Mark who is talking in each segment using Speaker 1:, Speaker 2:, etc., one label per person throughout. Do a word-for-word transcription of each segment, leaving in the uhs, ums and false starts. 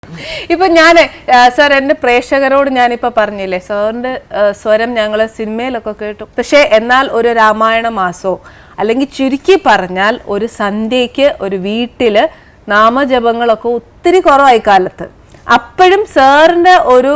Speaker 1: ഇപ്പൊ ഞാൻ സാർ എന്റെ പ്രേക്ഷകരോട് ഞാനിപ്പോ പറഞ്ഞില്ലേ സാറിന്റെ സ്വരം ഞങ്ങള് സിനിമയിലൊക്കെ കേട്ടു. പക്ഷെ എന്നാൽ ഒരു രാമായണ മാസോ അല്ലെങ്കിൽ ചുരുക്കി പറഞ്ഞാൽ ഒരു സന്ധ്യയ്ക്ക് ഒരു വീട്ടില് നാമജപങ്ങളൊക്കെ ഒത്തിരി കുറവായി കാലത്ത്. അപ്പോഴും സാറിന്റെ ഒരു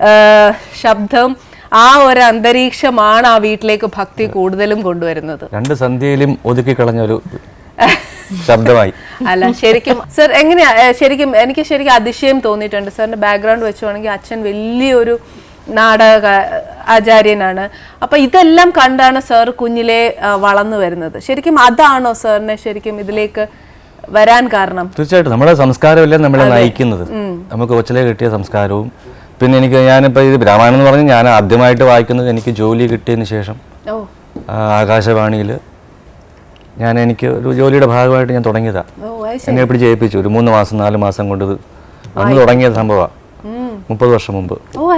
Speaker 1: ശബ്ദം ആ ഒരു അന്തരീക്ഷമാണ് ആ വീട്ടിലേക്ക് ഭക്തി കൂടുതലും കൊണ്ടുവരുന്നത്.
Speaker 2: രണ്ട് സന്ധ്യയിലും ഒതുക്കി കളഞ്ഞൊരു ശബ്ദമായി.
Speaker 1: അല്ല ശരിക്കും സർ എങ്ങനെയാ ശരിക്കും എനിക്ക് ശരിക്കും അതിശയം തോന്നിയിട്ടുണ്ട്. സാറിന്റെ ബാക്ക്ഗ്രൗണ്ട് വെച്ചുവാണെങ്കിൽ അച്ഛൻ വലിയൊരു നാടക ആചാര്യനാണ്. അപ്പൊ ഇതെല്ലാം കണ്ടാണ് സാർ കുഞ്ഞിലെ വളർന്നു വരുന്നത്. ശരിക്കും അതാണോ സാറിനെ ശരിക്കും ഇതിലേക്ക് വരാൻ കാരണം?
Speaker 2: തീർച്ചയായിട്ടും നമ്മുടെ സംസ്കാരമല്ലേ നമ്മളെ നയിക്കുന്നത്. നമുക്ക് കൊച്ചിലെ കിട്ടിയ സംസ്കാരവും പിന്നെ എനിക്ക് ഞാനിപ്പോൾ ഇത് രാമായണം എന്ന് പറഞ്ഞാൽ ഞാൻ ആദ്യമായിട്ട് വായിക്കുന്നത് എനിക്ക് ജോലി കിട്ടിയതിന് ശേഷം ആകാശവാണിയിൽ ഞാൻ എനിക്ക് ഒരു ജോലിയുടെ ഭാഗമായിട്ട് ഞാൻ തുടങ്ങിയതാണ്. എന്നെ എപ്പോഴും ജയിപ്പിച്ചു ഒരു മൂന്ന് മാസം നാല് മാസം കൊണ്ട് ഇത് അന്ന് തുടങ്ങിയ സംഭവമാണ് മുപ്പത് വർഷം മുമ്പ്.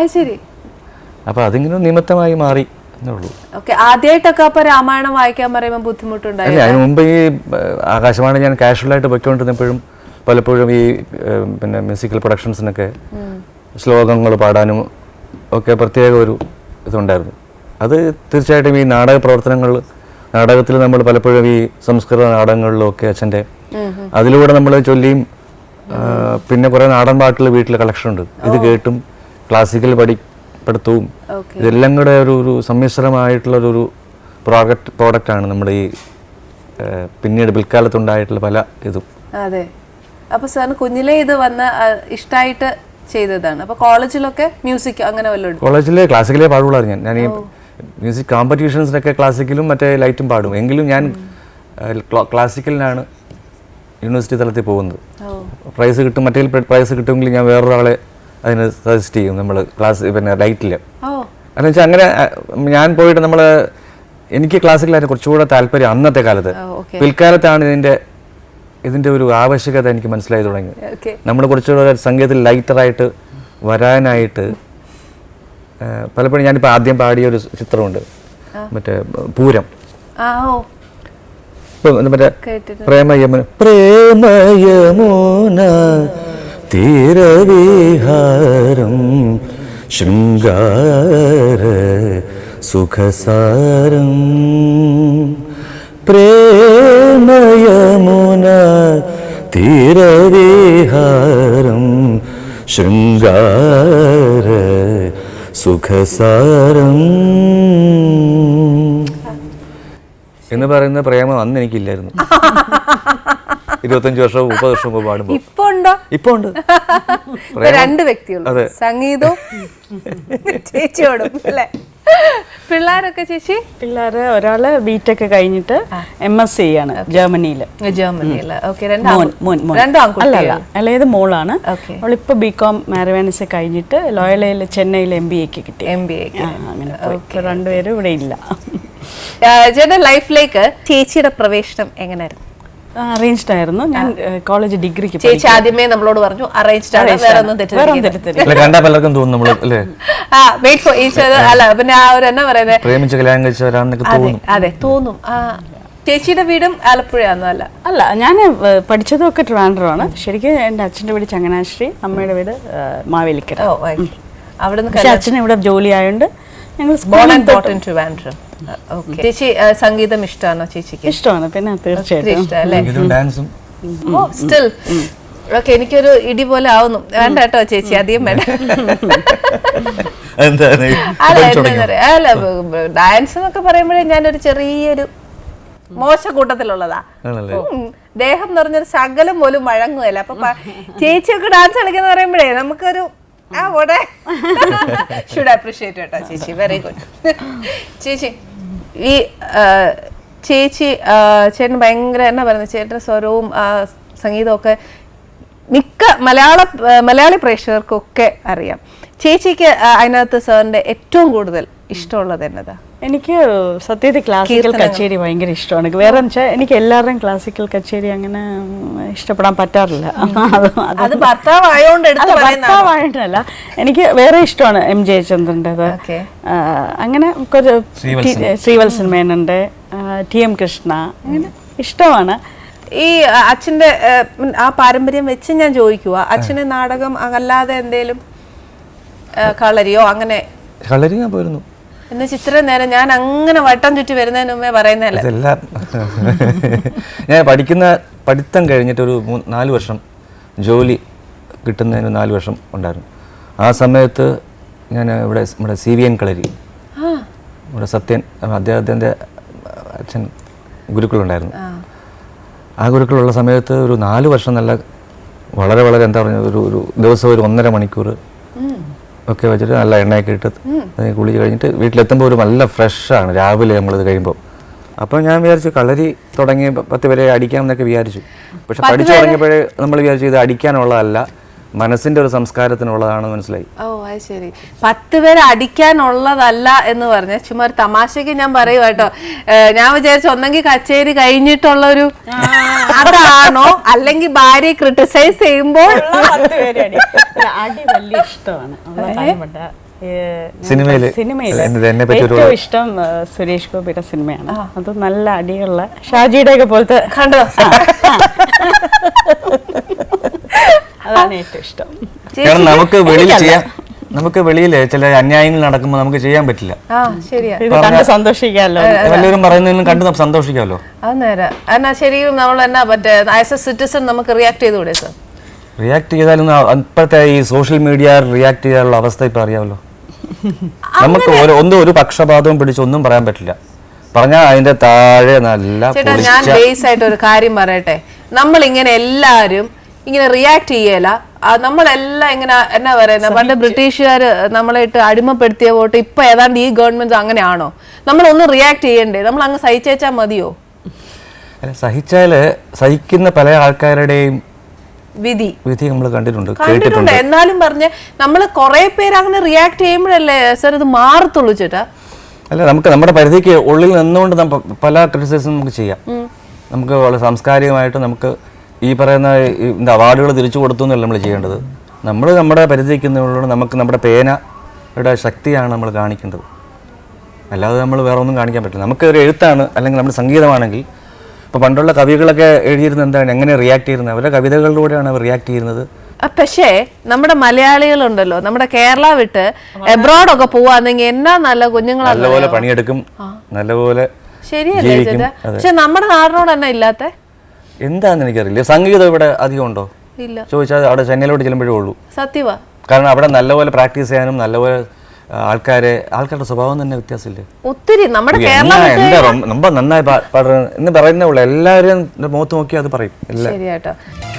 Speaker 2: അപ്പൊ അതിങ്ങനെ നിമിത്തമായി മാറി എന്നേ ഉള്ളൂ.
Speaker 1: ആദ്യമായിട്ടൊക്കെ അപ്പൊ രാമായണം വായിക്കാൻ പറയുമ്പോൾ ബുദ്ധിമുട്ടുണ്ടായി?
Speaker 2: അതിന് മുമ്പ് ഈ ആകാശവാണി ഞാൻ കാഷ്വലായിട്ട് പൊയ്ക്കൊണ്ടിരുന്നപ്പോഴും പലപ്പോഴും ഈ പിന്നെ മ്യൂസിക്കൽ പ്രൊഡക്ഷൻസിനൊക്കെ ശ്ലോകങ്ങൾ പാടാനും ഒക്കെ പ്രത്യേക ഒരു ഇതുണ്ടായിരുന്നു. അത് തീർച്ചയായിട്ടും ഈ നാടക പ്രവർത്തനങ്ങൾ നാടകത്തിൽ നമ്മൾ പലപ്പോഴും ഈ സംസ്കൃത നാടകങ്ങളിലും ഒക്കെ അച്ഛൻ്റെ അതിലൂടെ നമ്മൾ ചൊല്ലിയും പിന്നെ കുറേ നാടൻ പാട്ടുകൾ വീട്ടിൽ കളക്ഷൻ ഉണ്ട്. ഇത് കേട്ടും ക്ലാസിക്കൽ പഠിപ്പെടുത്തവും ഇതെല്ലാം കൂടെ ഒരു ഒരു സമ്മിശ്രമായിട്ടുള്ളൊരു പ്രോഡക്റ്റ് പ്രോഡക്റ്റാണ് നമ്മുടെ ഈ പിന്നീട് പിൽക്കാലത്തുണ്ടായിട്ടുള്ള പല ഇതും.
Speaker 1: അതെ. അപ്പൊ സാറിന് കുഞ്ഞിലെ ഇത് വന്ന ഇഷ്ടമായിട്ട് ചെയ്തതാണ്. അപ്പൊ കോളേജിലൊക്കെ മ്യൂസിക് അങ്ങനെ വല്ലതും?
Speaker 2: കോളേജിലെ ക്ലാസിക്കലേ പാടുള്ളായിരുന്നു. ഞാൻ ഞാൻ ഈ മ്യൂസിക് കോമ്പറ്റീഷൻസിനൊക്കെ ക്ലാസിക്കലും മറ്റേ ലൈറ്റും പാടും. എങ്കിലും ഞാൻ ക്ലാസിക്കലിനാണ് യൂണിവേഴ്സിറ്റി തലത്തിൽ പോകുന്നത്. പ്രൈസ് കിട്ടും, മറ്റേ പ്രൈസ് കിട്ടുമെങ്കിൽ ഞാൻ വേറൊരാളെ അതിന് സജസ്റ്റ് ചെയ്യും നമ്മൾ ക്ലാസ് പിന്നെ ലൈറ്റിൽ. എന്ന് വെച്ചാൽ അങ്ങനെ ഞാൻ പോയിട്ട് നമ്മൾ എനിക്ക് ക്ലാസിക്കലായിരുന്നു കുറച്ചുകൂടെ താല്പര്യം അന്നത്തെ കാലത്ത്. പിൽക്കാലത്താണ് ഇതിൻ്റെ ഇതിൻ്റെ ഒരു ആവശ്യകത എനിക്ക് മനസ്സിലായി തുടങ്ങി. നമ്മൾ കുറച്ചുകൂടെ സംഗീതത്തിൽ ലൈറ്ററായിട്ട് വരാനായിട്ട് പലപ്പോഴും ഞാനിപ്പോൾ ആദ്യം പാടിയ ഒരു ചിത്രമുണ്ട് മറ്റേ പൂരം. മറ്റേ പ്രേമയമുന പ്രേമയമുന തീരവിഹാരം ശൃംഗാര സുഖസാരം പ്രേമയമുന തീരവിഹാരം ശൃംഗാര സുഖസാരം എന്ന് പറയുന്ന പ്രേമം അന്ന് എനിക്കില്ലായിരുന്നു. ഇരുപത്തഞ്ച് വർഷവും മുപ്പത് വർഷം മുമ്പ് പാടുമ്പോൾ
Speaker 1: ഇപ്പൊ ഉണ്ടോ?
Speaker 2: ഇപ്പൊ ഉണ്ട്.
Speaker 1: രണ്ട് വ്യക്തികളും സംഗീതവും ചേച്ചിയോടും അല്ലേ? പിള്ളേരൊക്കെ ചേച്ചി?
Speaker 3: പിള്ളേര് ഒരാള് ബിടെക് കഴിഞ്ഞിട്ട് എം എസ് സി ആണ് ജർമ്മനിയില്.
Speaker 1: ജർമ്മനിയില്
Speaker 3: അല്ലായത് മോളാണ്. അവളിപ്പോ ബികോം മാരവാനിസ് കഴിഞ്ഞിട്ട് ലോയലയിൽ ചെന്നൈയിൽ എം ബി എക്ക് കിട്ടി.
Speaker 1: എം ബി എ
Speaker 3: അങ്ങനെ രണ്ടുപേരും ഇവിടെ ഇല്ല.
Speaker 1: ചേട്ടന്റെ ലൈഫിലേക്ക് ചേച്ചിയുടെ പ്രവേശനം എങ്ങനെയായിരുന്നു?
Speaker 3: അറേഞ്ച്ഡ് ആയിരുന്നു. ഞാൻ കോളേജ് ഡിഗ്രിക്ക്
Speaker 1: ചേച്ചി ആദ്യമേ നമ്മളോട് പറഞ്ഞു അറേഞ്ച്ഡ് ആണ്, വേറെ ഒന്നും തെറ്റിദ്ധരിക്കരുത്.
Speaker 2: കണ്ടാ പലർക്കും തോന്നും നമ്മൾ അല്ലേ
Speaker 1: ആ വെയിറ്റ് ഫോർ ഈച്ച് അതർ. അല്ല പിന്നെ ആ ഒരു എന്നാ പറയുന്നത്
Speaker 2: പ്രേമിച്ച് കല്യാണം കഴിച്ചവരാണെന്നൊക്കെ തോന്നും.
Speaker 1: അതെ തോന്നും. ചേച്ചിയുടെ വീടും ആലപ്പുഴയാണോ? അല്ല
Speaker 3: അല്ല ഞാൻ പഠിച്ചതും ഒക്കെ ട്രിവാൻഡ്രമാണ്. ശരിക്കും എൻ്റെ അച്ഛൻ്റെ വീട് ചങ്ങനാശ്ശേരി, അമ്മയുടെ വീട് മാവേലിക്കര.
Speaker 1: അവിടെ
Speaker 3: അച്ഛൻ ഇവിടെ ജോലി ആയതുകൊണ്ട് ഞങ്ങൾ
Speaker 1: ചേച്ചി സംഗീതം ഇഷ്ടമാണോ ചേച്ചിക്ക്?
Speaker 3: ഇഷ്ടമാണ്, പിന്നെ തീർച്ചയായിട്ടും.
Speaker 1: Still okay. എനിക്കൊരു ഇടി പോലെ ആവുന്നു. വേണ്ട കേട്ടോ ചേച്ചി, അധികം വേണ്ട. അല്ല ഡാൻസ് എന്നൊക്കെ പറയുമ്പോഴേ ഞാനൊരു ചെറിയൊരു മോശ കൂട്ടത്തിലുള്ളതാ. ദേഹം നിറഞ്ഞൊരു ശകലം പോലും വഴങ്ങുകയല്ല. അപ്പൊ ചേച്ചിയൊക്കെ ഡാൻസ് കളിക്കുന്ന പറയുമ്പോഴേ നമുക്കൊരു ആ ഓടെ ഷുഡ് അപ്രീഷിയേറ്റ് കേട്ടോ ചേച്ചി. Very good. ചേച്ചി ഈ ചേച്ചി ചേട്ടൻ ഭയങ്കര എന്നാ പറയുന്നത്, ചേട്ടൻ്റെ സ്വരവും സംഗീതവും ഒക്കെ മിക്ക മലയാള മലയാളി പ്രേക്ഷകർക്കൊക്കെ അറിയാം. ചേച്ചിക്ക് അതിനകത്ത് സാറിന്റെ ഏറ്റവും കൂടുതൽ ഇഷ്ടമുള്ളത് എന്നതാ?
Speaker 3: എനിക്ക് സത്യത്തിൽ ക്ലാസിക്കൽ കച്ചേരി ഭയങ്കര ഇഷ്ടമാണ്. വേറെ വെച്ചാൽ എനിക്ക് എല്ലാവരുടെയും ക്ലാസിക്കൽ കച്ചേരി അങ്ങനെ ഇഷ്ടപ്പെടാൻ പറ്റാറില്ല.
Speaker 1: അത് ഭർത്താവായോണ്ടല്ല,
Speaker 3: എനിക്ക് വേറെ ഇഷ്ടമാണ് എം ജയചന്ദ്രൻ്റെത്. അങ്ങനെ ശ്രീവത്സൻ മേനൻ്റെ, ടി എം കൃഷ്ണ, അങ്ങനെ ഇഷ്ടമാണ്.
Speaker 1: ഈ അച്ഛന്റെ ഏഹ്, ആ പാരമ്പര്യം വെച്ച് ഞാൻ ചോദിക്കുക, അച്ഛന് നാടകം അല്ലാതെ എന്തേലും ഏഹ്, കളരിയോ അങ്ങനെ?
Speaker 2: കളരി ഞാൻ പോയിരുന്നു.
Speaker 1: എന്ന് ഇത്രയും നേരം ഞാൻ അങ്ങനെ വട്ടം ചുറ്റി വരുന്നതിന് മുമ്പേ പറയുന്നതല്ലേ?
Speaker 2: ഇതെല്ലാം ഞാൻ പഠിക്കുന്ന പഠിത്തം കഴിഞ്ഞിട്ട് ഒരു മൂന്ന് നാല് വർഷം ജോലി കിട്ടുന്നതിന് നാല് വർഷം ഉണ്ടായിരുന്നു. ആ സമയത്ത് ഞാൻ ഇവിടെ നമ്മുടെ സി വി എൻ കളരി, ഇവിടെ സത്യൻ അദ്ദേഹത്തിൻ്റെ അച്ഛൻ ഗുരുക്കളുണ്ടായിരുന്നു. ആ ഗുരുക്കളുള്ള സമയത്ത് ഒരു നാല് വർഷം നല്ല വളരെ വളരെ എന്താ പറയുക, ഒരു ഒരു ദിവസം ഒരു ഒന്നര മണിക്കൂർ ഒക്കെ വെച്ചിട്ട് നല്ല എണ്ണയൊക്കെ ഇട്ട് കുളിച്ച് കഴിഞ്ഞിട്ട് വീട്ടിലെത്തുമ്പോൾ ഒരു നല്ല ഫ്രഷാണ് രാവിലെ നമ്മളിത് കഴിയുമ്പോൾ. അപ്പോൾ ഞാൻ വിചാരിച്ചു കളരി തുടങ്ങി പത്ത് പേരെ അടിക്കാമെന്നൊക്കെ വിചാരിച്ചു. പക്ഷെ പഠിച്ചു തുടങ്ങിയപ്പോഴേ നമ്മൾ വിചാരിച്ചു ഇത് അടിക്കാനുള്ളതല്ല, മനസ്സിൻ്റെ ഒരു സംസ്കാരത്തിനുള്ളതാണെന്ന് മനസ്സിലായി.
Speaker 1: ഓ അത് ശരി. പത്ത് പേര് അടിക്കാനുള്ളതല്ല എന്ന് പറഞ്ഞ ചുമ്മാ ഒരു തമാശക്ക് ഞാൻ പറയുക കേട്ടോ. ഞാൻ വിചാരിച്ചു ഒന്നെങ്കിൽ കച്ചേരി കഴിഞ്ഞിട്ടുള്ളൊരു അതാണോ, അല്ലെങ്കിൽ ഭാര്യയെ ക്രിട്ടിസൈസ് ചെയ്യുമ്പോൾ
Speaker 3: അടി വലിയ ഇഷ്ടമാണ്.
Speaker 2: സിനിമയില്
Speaker 3: സിനിമയില് ഏറ്റവും ഇഷ്ടം സുരേഷ് ഗോപിയുടെ സിനിമയാണ്. അത് നല്ല അടിയുള്ള ഷാജിയുടെ ഒക്കെ പോലത്തെ
Speaker 1: കണ്ടോ,
Speaker 3: അതാണ് ഏറ്റവും ഇഷ്ടം.
Speaker 2: കാരണം നമുക്ക് വെളിയിൽ ചെയ്യാം, നമുക്ക് വെളിയിൽ ചില അന്യായങ്ങൾ നടക്കുമ്പോൾ നമുക്ക് ചെയ്യാൻ പറ്റില്ല.
Speaker 1: ആ ശരിയാ,
Speaker 3: ഇത് കണ്ട് സന്തോഷിക്കാമല്ലോ,
Speaker 2: എല്ലാവരും പറയുന്നതിനും കണ്ട് നമുക്ക് സന്തോഷിക്കാമല്ലോ.
Speaker 1: അത് നേരെ എന്നാ ശരിക്കും നമ്മൾ എന്നാ പറ്റേ ആസ് എ സിറ്റിസൺ നമുക്ക് റിയാക്ട് ചെയ്തുകൂടെ സർ?
Speaker 2: റിയാക്ട് ചെയ്താലും ഇപ്പോഴത്തെ ഈ സോഷ്യൽ മീഡിയ റിയാക്ട് ചെയ്യാനുള്ള അവസ്ഥ ഇപ്പം അറിയാമല്ലോ. നമുക്ക് ഒരു ഒന്നും ഒരു പക്ഷപാതവും പിടിച്ചൊന്നും പറയാൻ പറ്റില്ല. പറഞ്ഞാൽ അതിന്റെ താഴെ നല്ല
Speaker 1: ചേട്ടാ ഞാൻ ബേസ് ആയിട്ട് ഒരു കാര്യം പറയട്ടെ. നമ്മൾ ഇങ്ങനെ എല്ലാരും ഇങ്ങനെ റിയാക്ട് ചെയ്യല, നമ്മളെല്ലാം ഇങ്ങനെ എന്നാ പറയുന്ന പണ്ട് ബ്രിട്ടീഷുകാർ നമ്മളായിട്ട് അടിമപ്പെടുത്തിയ വോട്ട് ഇപ്പൊ ഏതാണ്ട് ഈ ഗവൺമെന്റ് അങ്ങനെയാണോ? നമ്മളൊന്നും റിയാക്ട് ചെയ്യണ്ടേ? നമ്മൾ അങ്ങ് സഹിച്ചേച്ചാ മതിയോ?
Speaker 2: സഹിച്ചാല് സഹിക്കുന്ന പല ആൾക്കാരുടെയും
Speaker 1: വിധി
Speaker 2: വിധി നമ്മൾ കണ്ടിട്ടുണ്ട്,
Speaker 1: കണ്ടിട്ടുണ്ട്. എന്നാലും പറഞ്ഞ നമ്മള് കുറെ പേര് അങ്ങനെ റിയാക്ട് ചെയ്യുമ്പോഴല്ലേ സർ ഇത് മാറത്തുള്ളൂ ചേട്ടാ?
Speaker 2: അല്ല, നമുക്ക് നമ്മുടെ പരിധിക്ക് ഉള്ളിൽ നിന്നുകൊണ്ട് പല ക്രിറ്റിസിസം നമുക്ക് ചെയ്യാം. നമുക്ക് വളരെ സാംസ്കാരികമായിട്ട് നമുക്ക് ഈ പറയുന്ന എന്താ അവാർഡുകൾ തിരിച്ചു കൊടുത്തു എന്നല്ല നമ്മൾ ചെയ്യേണ്ടത്. നമ്മൾ നമ്മുടെ പരിധിക്കുന്നുള്ളൂ, നമുക്ക് നമ്മുടെ പേനയുടെ ശക്തിയാണ് നമ്മൾ കാണിക്കേണ്ടത്. അല്ലാതെ നമ്മൾ വേറെ ഒന്നും കാണിക്കാൻ പറ്റില്ല. നമുക്ക് ഒരു എഴുത്താണ് അല്ലെങ്കിൽ നമ്മുടെ സംഗീതമാണെങ്കിൽ, ഇപ്പോൾ പണ്ടുള്ള കവികളൊക്കെ എഴുതിയിരുന്നത് എന്താണ്, എങ്ങനെ റിയാക്ട് ചെയ്യുന്നത്, അവരുടെ കവിതകളിലൂടെയാണ് അവർ റിയാക്ട് ചെയ്യുന്നത്.
Speaker 1: പക്ഷേ നമ്മുടെ മലയാളികളുണ്ടല്ലോ, നമ്മുടെ കേരള വിട്ട് എബ്രോഡൊക്കെ പോവാന്നെങ്കിൽ എന്നാ നല്ല കുഞ്ഞുങ്ങളാണ്,
Speaker 2: നല്ലപോലെ പണിയെടുക്കും, നല്ലപോലെ
Speaker 1: ശരിയല്ലേ ചേട്ടാ? പക്ഷെ നമ്മുടെ നാടിനോട് തന്നെ ഇല്ലാത്ത
Speaker 2: എന്താന്ന് എനിക്കറിയില്ല. സംഗീതം ഇവിടെ അധികം ഉണ്ടോ
Speaker 1: ഇല്ല
Speaker 2: ചോദിച്ചാൽ അവിടെ ചെന്നൈയിലോട്ട് ചെല്ലുമ്പോഴേ ഉള്ളൂ.
Speaker 1: സത്യവാ.
Speaker 2: കാരണം അവിടെ നല്ലപോലെ പ്രാക്ടീസ് ചെയ്യാനും നല്ലപോലെ ആൾക്കാരെ ആൾക്കാരുടെ സ്വഭാവം തന്നെ വ്യത്യാസമില്ലേ
Speaker 1: ഒത്തിരി. നമ്മുടെ കേരളം
Speaker 2: എന്താ ரொம்ப നന്നായി പാടുന്നത് എന്ന് പറയുന്നേ ഉള്ളൂ. എല്ലാവരും മുഖത്ത് നോക്കി അത് പറയും.
Speaker 1: ശരിയാട്ടോ.